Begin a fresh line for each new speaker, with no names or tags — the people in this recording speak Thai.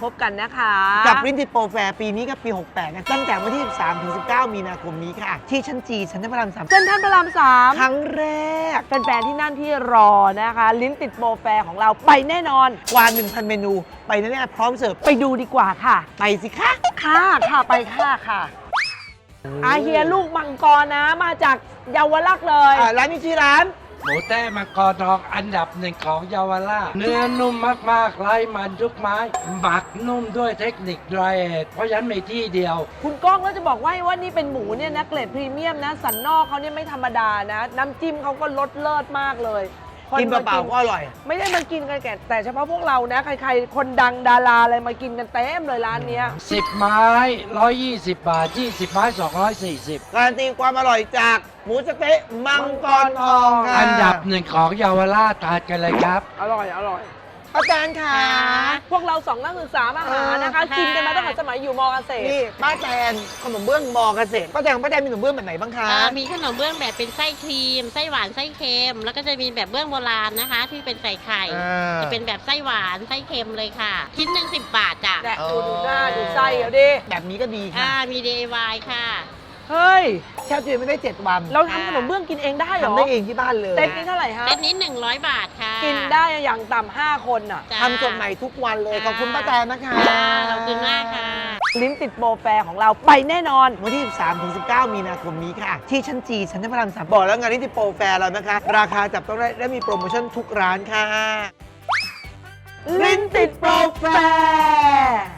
บกันนะคะ
กับลิ้นติดโปรแฟร์ปีนี้กับปี 68นะตั้งแต่วันที่ 13 ถึง 19 มีนาคมนี้ค่ะ ที่ชั้นจีชั้นพระราม 3
เส้นท่านพระราม
ครั้งแรก
3แฟนๆที่นั่นที่รอนะคะ ลิ้นติดโปรแฟร์ของเราไปแน่นอน
กว่า 1,000 เมนู ไปแน่ๆพร้อมเสิร์ฟ
ไปดูดีกว่าค่ะ
ไปสิคะ
ค่ะไปค่ะอาเฮียลูกมังกรนะมาจากเยาวราชเลย
ร้านนี้ชื่อร้าน
หมูแต้มังกรทองอันดับหนึ่งของเยาวราชเนื้อนุ่มมากๆไร้มันทุกไม้หมักนุ่มด้วยเทคนิค dry age เพราะฉะนั้นมีที่เดียว
คุณก้องก็จะบอกว่านี่เป็นหมูเนี่ยนะเกรดพรีเมียมนะสันนอกเขาเนี่ยไม่ธรรมดานะ น้ำจิ้มเขาก็รสเลิศมากเลยค
กินเปล่าๆก็อร่อย
ไม่ได้มากินกันแต่เฉพาะพวกเรานะใครๆคนดังดาราอะไรมากินกันเต็มเลยร้านเนี้ย
10 ไม้ 120 บาท 20 ไม้ 240
การันตีความอร่อยจากหมูสะเต๊ะมังกรทองค่ะ
อันดับหนึ่งของเยาวราชทานกันเลยครับ
อร่อย
อาจารย์ค่ะ
พวกเราสองนักศึกษามหานะคะ กินกันมาตั้งแต่สมัยอยู่มอเกษตร
นี่ป้าแตนขนมเบื้องมอเกษตรป้าแตนมีขนมเบื้องแบบไหนบ้างคะ
มีขนมเบื้องแบบเป็นไส้ครีม ไส้หวานไส้เค็ม แล้วก็จะมีแบบเบื้องโบราณนะคะ ที่เป็นใส่ไข่ จะเป็นแบบไส้หวานไส้เค็มเลยค่ะ ชิ้นหนึ่ง10 บาทจ้ะ
แดะดูหน้าดูไส้เอาดิ
แบบนี้ก็ดีค่ะ
มี DIY ค่ะ
เฮ้ย
แช่ตู้เย็นไม่ได้ 7 วัน
เราทำขนมเบื้องกินเองได้เหรอ
ทำได้เองที่บ้านเลย
เต็มนี้เท่าไหร่ฮะ
เซตนี้100 บาทค่ะ
กินได้อย่างต่ำ5คนอ่ะ
จ้ะ
ทำสดใหม่ทุกวันเลย ขอบคุณป้าแตนนะคะ
ค่ะขอบคุณมากค่ะ
ลิ้นติดโปรแฟร์ของเราไปแน่นอน
วันที่ 13 ถึง 19 มีนาคมนี้ค่ะ ที่ชั้นจีชั้นพระราม 3 บอกแล้วงานนี้ที่โปรแฟร์เรานะคะ ราคาจับต้องได้และมีโปรโมชั่นทุกร้านค่ะ
ลิ้นติดโปรแฟร์